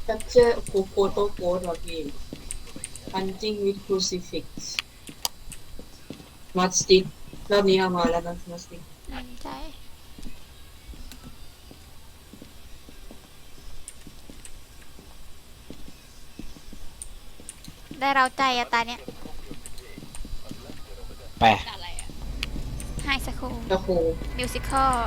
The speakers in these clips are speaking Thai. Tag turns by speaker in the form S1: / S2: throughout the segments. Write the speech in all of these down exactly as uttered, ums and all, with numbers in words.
S1: capture โคโคโตโกดหรอพี่ punching with crucifix mud stick รอบนี้เอามาแล้วนะ mud stick
S2: อืมใช่ได้เราใจอะตาเนี้ย
S3: ไป
S4: อะไรอ่ะ
S2: ไฮสคูล
S1: ตะโค
S2: มิวสิคอล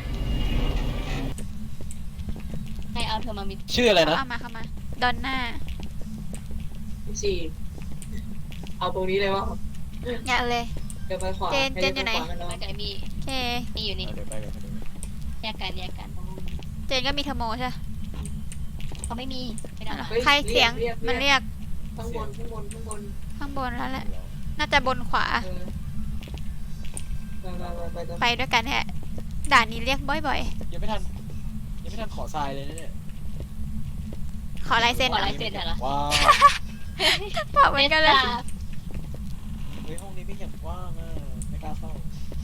S4: ให้เอาเธอมามิ
S3: ชื่ออะไรนะ
S2: เข้ามาเข้ามาดอนน่า
S1: สี่เอาตรงนี้เลยวะ
S2: อย่าเลย
S1: เดี๋ยวไปขวา
S2: เจนเจนอยู่ไหน
S1: ให้เดิปขวากั
S4: ไม่
S1: เนาะ
S4: ไกลมี
S2: โอเค
S4: มีอยู่นี่
S3: เดี๋ยวไปกันไปกัน
S4: แยกกันแยกกัน
S2: เจนก็มีเทอร์โมใช่ปะ
S4: เขาไม่มีไม่ได้มา
S1: ฮ้
S2: ใครเสียง
S1: รีก
S2: มันเรียก
S1: ข้างบนข้างบนข้างบน
S2: ข้างบนแล้วแหละ น่าจะบนขวา
S1: เออไปไปไปไป
S2: ไปด้วยกันแฮะ ด่านนี้เรียกบ่อย
S3: ยังไม่ทันยังไม่ทันขอทรายเลยนะเนี่ย
S2: ๆ ขอลายเซ็น
S4: ขอ
S2: หน่อ
S4: ลาย ยเซ็นเหรอ
S3: ว้าว
S2: บอกเหมือนกันเลย
S3: เฮ้ยห้องนี้ไม่อย่างว่างอ่ะไม่กล้าเข้า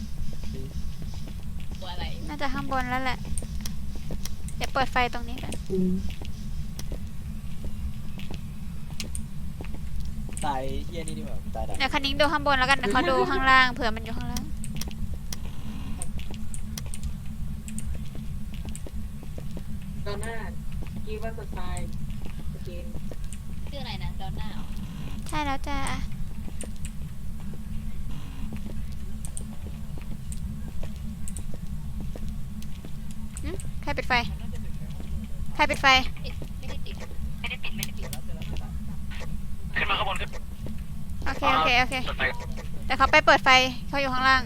S4: ตัวอะไร
S2: น่าจะข้างบนแล้วแหละ เดี๋ยวเปิดไฟตรงนี้กัน
S1: อืม
S3: ตายเฮียนี่ดีกว่าตายดับ
S2: เดี๋ยวคันนิ้งดูข้างบนแล้วกันเดี๋ยวเขาดูข้างล่างเผื่อมันอยู่ข้างล่าง
S1: ตอนหน้าคิดว่าสไตล์สเกน
S4: ชื่ออะไรนะดอนน่า
S2: ใช่แล้วจ้าหึใครปิดไฟ ใครปิดไฟ
S4: ไม่ได้ติดไม่ได้ปิดไม่ได้ปิด
S5: ขึ้นมาข้างบนขึ้น
S2: โอเค โอเค โอเค
S5: เปิดไฟ
S2: แต่เขาไปเปิดไฟเขาอยู่ข้างล่าง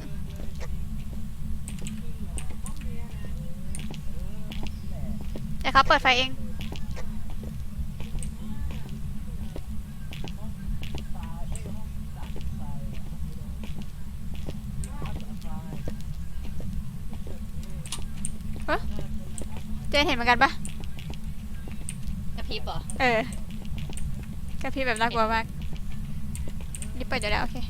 S2: เดี๋ยวเขาเปิดไฟเอง เฮ้ยเจนเห็นเหมือนกันปะ
S4: กระพริบเหรอ
S2: เออกระพริบแบบน่ากลัวมาก นี่เปิดอยู่แล้ว โอเค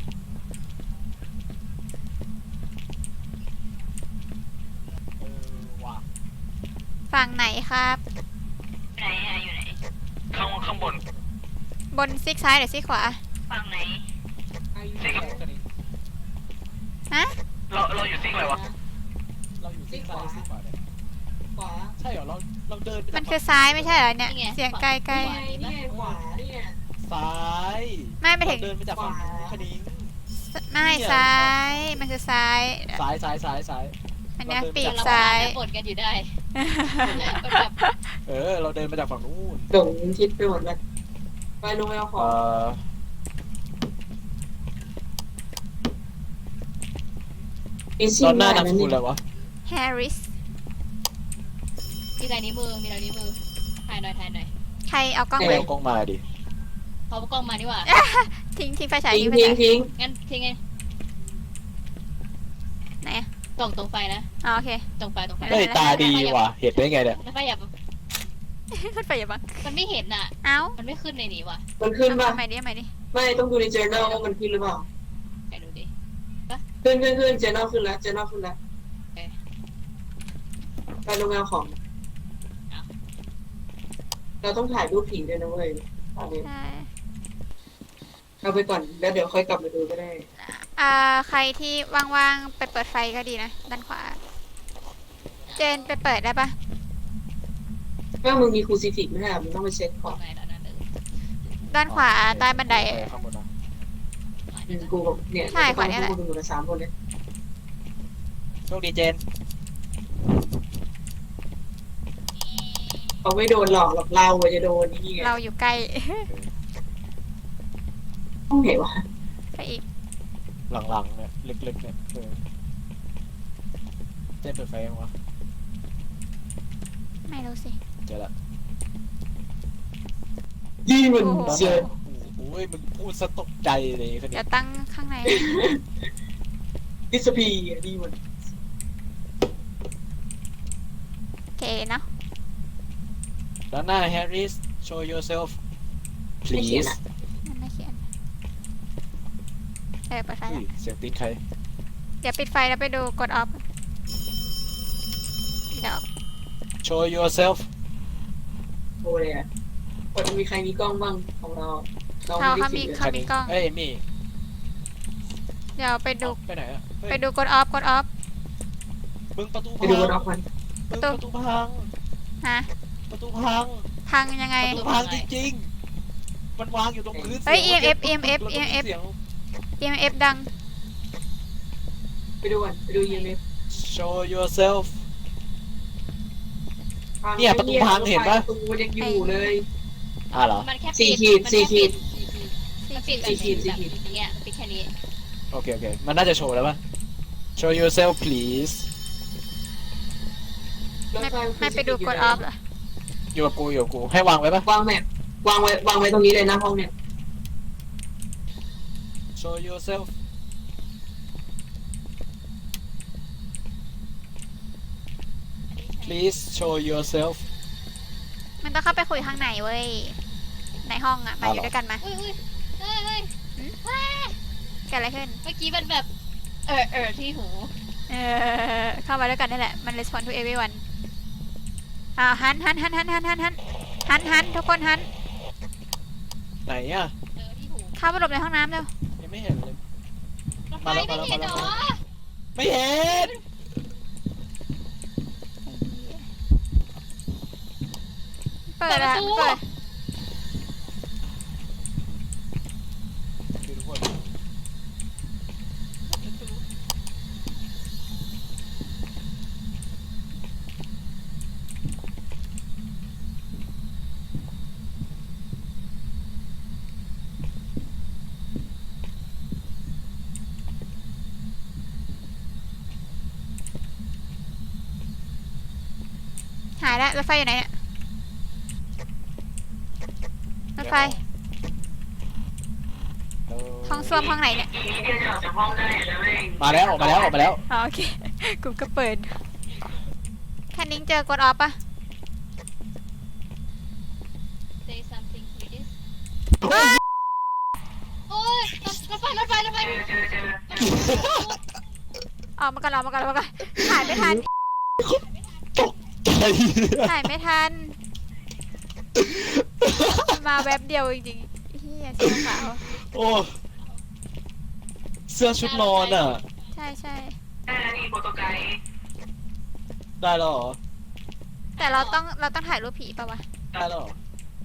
S3: เออว่ะ
S2: ฝั่งไหนครับ
S4: ไหนอะอยู่ไหน
S5: ข้างข้างบน
S2: บนซีกซ้ายหรือซีกขวา
S4: ฝั่งไหน
S5: ซิก
S3: แค่นี้
S2: ฮะ
S5: เราเราอยู่ซิกอะไรวะ
S3: เราอยู่ที่ซ้ายซีขวาเนี่ย
S1: ขวา
S3: ใช่เหรอเราเราเดินไป
S2: มัน
S3: จาก
S2: คือซ้ายไม่ใช่เหรอเนี่ย
S4: นี่ไง
S2: เสียงไกลไกล
S1: นี่ไงนี่ไงขวานี่ไง
S3: ซ้าย
S2: ไม่ไปถึง
S3: เราเดินไปจากฝั่งนู้นคณิ้ง
S2: ไม่ซ้าย มันคือซ้าย
S3: ซ้ายซ้ายซ้ายซ้าย
S2: อันเนี้ย
S3: เราเดินไป
S2: ปีก
S4: เรา
S2: ซ้าย
S4: บ่นกันอยู่ได้มันแบบ
S3: เออเราเดินมาจากฝั่งนู้น
S1: หลงทิศไปหมดเลยไปลงไปเอาขอ
S3: เอ่
S1: ง
S3: อ
S1: ไอ้
S3: ต
S1: ซิ่
S3: อง นหน้า
S1: ได้
S3: นาม
S1: นั่
S3: ส
S1: น
S3: กุลอะไร
S1: นี่
S3: วะ
S2: แฮร์ริส
S4: มีลายนิ้วมือมีลายนิ้วมือถ่ายหน่อยถ่ายหน่อย
S2: ใครเอากล้อง
S3: ไม่
S2: ไป
S3: เอากล้องมาดิ
S4: เขากล้องมาดีกว่า
S2: ทิ้งทิ้งไฟฉาย
S1: ทิ้ง
S2: ทิ้งไฟ
S1: ทิ้ง
S2: ฉาย
S1: ทิ้ง
S4: งั้นทิ้งไง
S2: ไหนอะ
S4: ตรงตรงไฟนะ
S2: อ๋อโอเค
S4: ตรงไฟตรงไฟ
S3: เฮ้ยตาดีว่ะเห็นได้ไงเนี่ย
S4: แล้วไฟอย่า
S2: ขึ้นไปอย่าบัง
S4: มันไม่เห็นน่ะ
S2: เอ้า
S4: มันไม่ขึ้นในนี้ว่ะ
S1: มันขึ้นป่ะ
S2: ทำไมดิทำไมดิ
S1: ไม่ต้องดูใน journal ว่ามันขึ้นหรือเปล่า
S4: ไปดูดิ
S1: ขึ้นขึ้นขึ้น journal ขึ้นแล้ว journal ขึ้นแล้ว
S4: โอเค
S1: ไปลงไปเอาของ เราต้องถ่ายรูปผีด้วยนะเว้ยตอนนี้
S2: ใช่
S1: เอาไปก่อนแล้วเดี๋ยวค่อยกลับมาดูก็ได้
S2: อ่าใครที่ว่างๆไปเปิดไฟก็ดีนะ ด้านขวา เจนไปเปิดได้ปะ
S1: ว่ามึงมีครูซิฟิกไหมครับมึงต้องไปเช็คก่อน
S4: ตรงไหนแล้วนั่นเลย
S2: ด้านขวาใต้บันได
S3: เออข้างบนนะ
S1: อืมกูบอกเนี่ย
S2: ใช่ขวาเนี่ยแหละ
S1: กูดูกันสามคนเลย
S3: โชคดีเจน
S1: เขาไม่โดนหลอกหรอกเราอะจะโดนนี่ไง
S2: เราอยู่ใกล้
S1: ห้องไหนวะ
S2: ไปอีก
S3: หลังๆเนี่ยลึกๆเนี่ยเออเจนเปิดไฟยังวะ
S2: ไม่รู้สิ
S3: เจอละ
S1: ยี่มัน
S2: โอ้โห
S1: เจอ
S3: โอ้ยมึงพูดสะตกใจเลยคนนี้
S2: เดี๋ยวตั้งข้างใน
S1: ดิสพีอะดีมัน
S2: เก๋เนาะ
S3: ด้านหน้า Harris show yourself
S1: ไม่เขียน
S3: please
S1: อะ
S2: มันไม่เขียน เออเปิดไฟ
S3: อุ้
S2: แล้
S3: ยว เสียงตีนใคร
S2: เดี๋ยวปิดไฟแล้วไปดูกดออฟ เดี๋ยว
S3: show yourself
S1: โทรเลยอะว่าจะมีใครมีกล้องบ้างของเราเรา
S2: เขา
S1: ไม่ได้
S2: เขา
S1: คิ
S2: มี
S1: ดเลย
S2: เขามีกล้อง
S3: เอ้ยเอมี่
S2: เดี๋ยวไปดู
S3: ไปไหนอะเฮ้ย
S2: ไปดูกดออฟกดออฟ
S3: มึงประตู
S1: ไป
S3: พัง
S1: ดูกันออกมัน
S3: มึงประตูพัง
S2: ฮะ
S3: ประตูพัง
S2: พังยังไง
S3: ประตูพังจริงๆมันวางอยู่ตรงพื้น
S2: เฮ้ย
S3: สีง
S2: EMF
S3: มัน
S2: EMF
S3: แล้วก็มี
S2: EMF
S3: เสียง
S2: เอ็มเอฟดัง
S1: ไปดูกันไปดูยีเมฟ
S3: show yourself เนี่ยประตูพังเห็นปะ
S1: ประตูมันยังอยู่เลย
S3: อ่ะเหรอ
S4: มันแค่
S1: สี่
S4: ปิด
S1: ขีด
S4: มัน
S1: สี่
S4: แค่
S1: ขี
S4: ปิ
S1: ด
S4: ดมันปิดแบบ
S1: สี่ขีดสี่ขีด
S4: แบบอย่างเงี้ยปิดแค่นี้
S3: โอเคโอเคมันน่าจะโชว์แล้วปะ show yourself please
S2: ไม่ไม่ไปดูกดออฟเหรอ
S3: อยู่กับกูอยู่กับกูให้วางไว้ปะ
S1: วางแมปวางไว้วางไว้ตรงนี้เลยนะห้องเนี่ย
S3: show yourself please show yourself
S2: มันต้องเข้าไปคุยข้างในเว้ย ในห้องอ่ะ มาอยู่ด้วยกันมา
S4: อุ้ยอุ้ยเฮ้ยเฮ้ย
S2: เกิดอะไรขึ้น
S4: เมื่อกี้มันแบบเออเออที่หู
S2: เออเข้ามาด้วยกันนี่แหละ มัน respond to everyone อ่าหันหันหันหันหันหันหันหันหันทุกคนหัน
S3: ไหนอ่ะ
S4: เออที่หู
S2: เข้าไปหลบในห้องน้ำเร็ว
S3: ยังไม่เห็นเลย
S4: รถไฟ
S3: มาแล้ว
S4: ไม่เห็น
S3: มา
S4: เหร
S3: แล้ว
S4: อ
S3: ไม่เห็น
S2: เปิดอะเปิด
S3: ดูทุกคน
S2: หายแล้วรถไฟอยู่ไหนเนี่ยรถไฟ
S3: เดี๋ยว
S2: ห้องส้วมห้องไหนเนี่ย
S1: อีกนิดเดียวจะออกจากห้องได้แล้วเอง
S3: มาแล้วออกมาแล้วออกมาแล้ว
S2: อ๋อโอเค กูก็เปิดแค่นิ้งเจอกดออฟปะ
S4: say something please โอ้ยรถรถไฟรถไฟรถไฟ
S1: เจอเจอเจอ
S2: ออกมาก่อนออกมาก่อนออกมาก่อนถ่ายไม่ทัน ถ่ายไม่ทัน มาแวบเดียวจริงๆเฮียเสื้อขาว
S3: โอ้เสื้อชุดนอนอ่ะ
S2: ใช่ใช่
S1: ได้แล้วนี่โปรโตไกด์
S3: ได้แล้วเหรอ
S2: แต่เราต้องเราต้องถ่ายรูปผีป่าวะ
S3: ได้แล้วเหรอ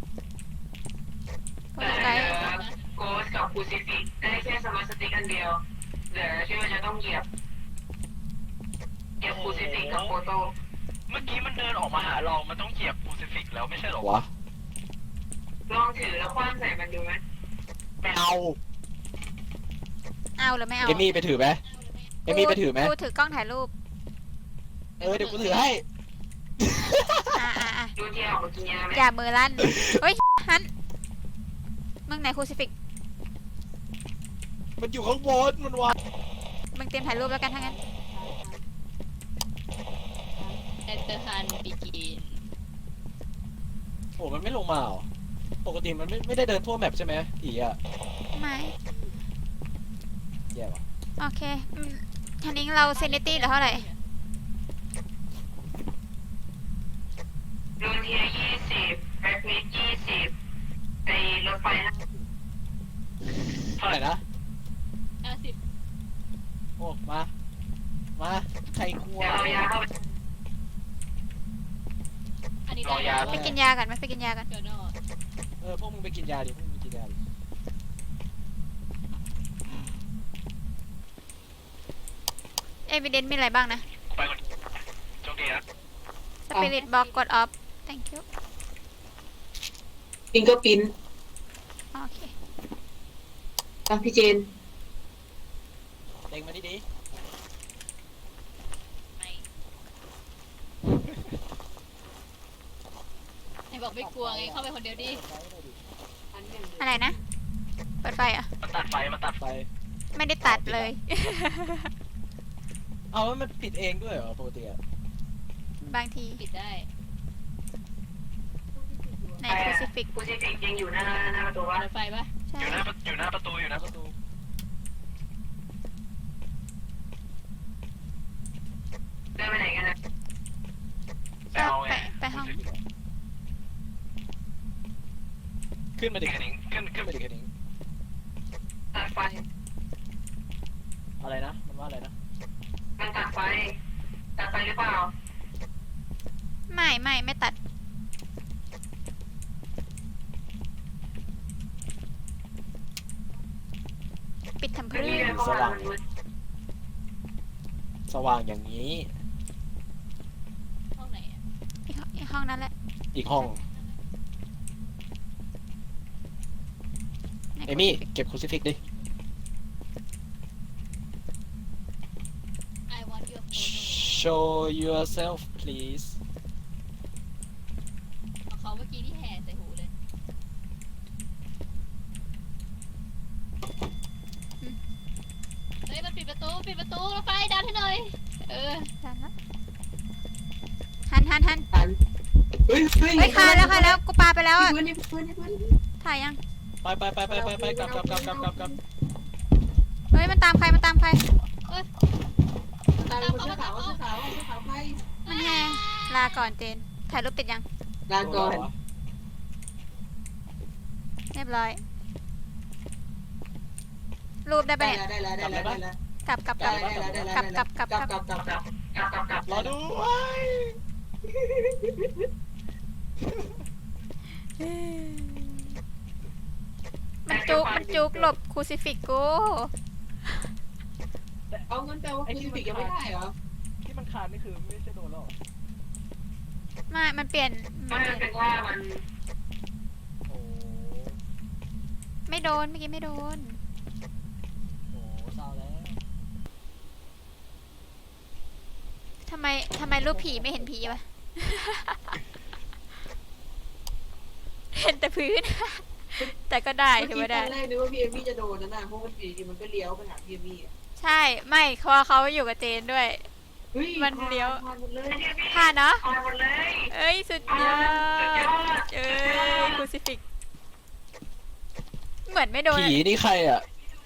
S2: โปรโตไกด์
S1: โกสกับคูซิฟิกได้แค่สมาร์ทสติ๊กอันเดียวเหลือที่ว่าจะต้องเหยียบเหยียบคูซิฟิกกับโฟโต้
S5: เมื่อกี้มันเดินออกมาหาเรา มันต้องเหยียบคูซิฟิกแล้วไม่ใช่เหรอ
S3: วะ
S1: ลองถือแล้วคว้างใส่มันดูไหม
S3: ไม่เอา
S2: เอาหรือไม่เอา
S3: เอมี่ไปถือไหมเอมี่ไปถือไหม
S2: กูถือกล้องถ่ายรูป
S3: เออเดี๋ยวกูถือให้
S2: อ่าอ่าอ่า
S1: ดูที่ออกมากินยาไหม
S2: อย่ามือลั่น เฮ้ยฮันมึงไหนคูซิฟิก
S3: มันอยู่ข้างบนมันวาง
S2: มึงเตรียมถ่ายรูปแล้วกันทั้างนั้น
S4: แอนเตอร์ฮันบีกิน
S3: โอ้มันไม่ลงมาเหรอปกติมันไม่ไม่ได้เดินทั่วแมปใช่ไหมอีอ่ะ
S2: ไม่
S3: แย่ว่ะ
S2: โอเคอืมทันนิ้งเราเซนิตี้เหลือเท่าไหร่
S1: ดูเทียยี่สิบแบ็คมิดยี่สิบไอ้รถไฟห้า
S3: เท่าไหร่นะ
S4: ห้าสิบ
S3: โอ้มา มาใครกลัว
S1: เดี๋ยวเอายาเข้าไป
S4: อันนี้
S5: รอยา
S2: ไปกินยากันไหมไปกินยากัน
S4: เดี๋ยวนอก
S3: เออพวกมึงไปกินยาดิพวกมึงไปกินยาดิ
S2: เอวิเดนมีอะไรบ้างนะ
S5: ไปก่อนโชคดีนะ
S2: สปิริตบ็อกกดออฟ thank you
S1: ฟิงเกอร์พิ้น
S2: โอเค
S1: ตามพี่เจน
S3: เล็งมาดิดิ
S4: ไม่ไหนบอกไม่กลัวไงเข้าไปคนเดียวดิ
S2: อะไรนะ เปิดไฟเหรอ่ะ
S5: มันตัดไฟ มันตัดไฟ
S3: ไป
S2: ไม่ได้ตัดเลย
S3: เอาแล้วมันปิดเองด้วยเหรอปกติอ่ะ
S2: บางที
S4: ปิดได้
S2: ในคูซิฟิก
S1: คูซิฟิกยังอยู่หน้าหน้าประตูวะ
S4: รถไฟปะ
S2: ใช่
S5: อยู่หน้าประอยู่หน้าประตู อยู่หน้าประตู
S1: เดินไปไหนกันนะ
S5: ไปเอาไง
S2: ไปไปห้อง
S3: เขึ้นมาดิ
S5: กระดิ่งขึ้นขึ้
S3: ขึ้
S5: น
S3: นมาดิแค่นี้
S1: ตัดไฟ
S3: อะไรนะมันว่าอะไรนะ
S1: มันตัดไฟตัดไฟหรือเปล่า
S2: ไม่ไม่ไม่ตัด ปิดทำ
S1: ไม่
S2: เพื่
S1: มี
S2: อ
S1: เลยเพราะว่ามันมืด
S3: สว่างอย่างนี้
S4: ห้องไหนอะ
S2: อีกห้องอีกห้องนั้นแหละ
S3: อีกห้อง
S2: ไหน
S3: เอมี่เก็บคูซิฟิกดิ
S4: I want your photo
S3: show yourself please
S4: ของเขาเมื่อกี้ที่แห่ใส่หูเลยเฮ้ยมันปิดประตูปิดประตูรถไฟดันให้หน่อยเออ
S2: ดันละหันหันหัน
S6: ทันเฮ้ยเฮ้ย
S2: เฮ้ยคาแล้วคาแล้วกูปาไปแล้ว
S6: นี่
S2: อ่ะ
S6: เพื่อนนี่เพื่อนนี่เพื่อน
S2: ถ่ายยัง
S3: ไปไปไปไปไปไปกลับกลับกลับกลับกลับกลับ
S2: เฮ้ยมันตามใครมันตามใคร
S6: ตามคนเสื้อขาวเสื้อขาวเสื้อขาวใคร
S2: มันแหงลาก่อนเจน ถ่ายรูปติดยัง
S6: ลาก่อน
S2: เรียบร้อย รูปได้ปะ
S6: ได้
S2: เนี่ย
S6: แล้วได้แล้วได้แล้วได้แล้ว
S2: กลับกลับก
S6: ได้
S2: ลับ
S6: แล้วได้แล้ว
S2: กลับกลับกลับ
S6: กลับกลับกลับ
S1: กลับกลับกลับกลับ
S3: รอด้วย
S2: มันจุกมันจุกหลบคูซิฟิกกู
S6: เอาเงินแปลว่าคุณฟิกยังไม่ได้เหรอ
S3: ที่มันคานนี่คือไม่ใช่โดนหรอ
S2: ไม่ มันเปลี่ยน
S1: ไม่
S2: มันเปลี่ยน
S1: เป็นว่ามัน
S3: โอ้
S2: ไม่โดนเมื่อกี้ไม่โดน
S3: โหเศร้าแล้ว
S2: ทำไมทำไมรูปผีไม่เห็นผีวะ เห็นแต่พื้น แต่ก็ได้
S6: เมื่อ
S2: ถือ
S6: กี้
S2: ว่า
S6: ต
S2: ได้
S6: อนแรกนึกว่าพี่เอมี่จะโดนนะนะเพราะมันปีมันก็เลี้ยวไปหาพี่เอมี่
S2: ใช่ ไม่เพราะเขาอยู่กับเจนด้วย
S6: เฮ้ย
S2: มันเลี้ยว
S6: ผ่านหมดเลย
S2: ผ่านเนาะ
S1: ออนหมดเลย
S2: เอ้ย สุดยอ
S1: สุดย
S2: ด
S1: อด
S2: เอ้ยคูซิฟิก เหมือนไม่โดน
S3: ผีนี่ใครอ่ะ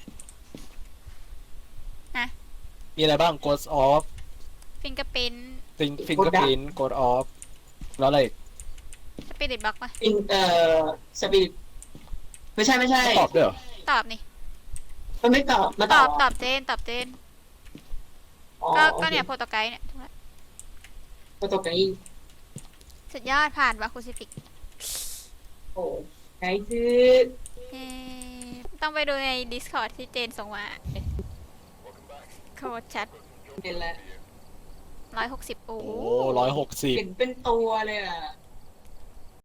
S2: ฮะ
S3: มีอะไรบ้าง ghost off
S2: ฟิงเกอร์ปิน
S3: fingerprint ghost off แล้วอะไรอีก
S2: สปิริตบล็อกปะ
S6: อินเอ่อสปิริตไม่ใช่ไม่ใช่
S3: ตอบด้วยเหรอ
S2: ตอบนี่
S6: มันไม่ตอบมา
S2: ต
S6: ต
S2: อ
S6: อ
S2: บบ ตอบเจน ตอบเจน
S6: อ๋อ
S2: ก็
S6: โอ
S2: ก็
S6: ค
S2: เนี่ยโปรโตไกด์เนี่ยถูกแล้ว
S6: ก็ตกใจอีก
S2: สุดยอดผ่านวะคูซิฟิก
S6: โอ้ไกด์คือ
S2: เย้ต้องไปดูใน Discord ที่เจนส่งมาโคตรชัด
S6: เป็นแล้ว
S2: ร้อยหกสิบโอ้
S3: โอ้ร้อยหกสิบ
S6: เห็นเป็นตัวเลยอ่ะ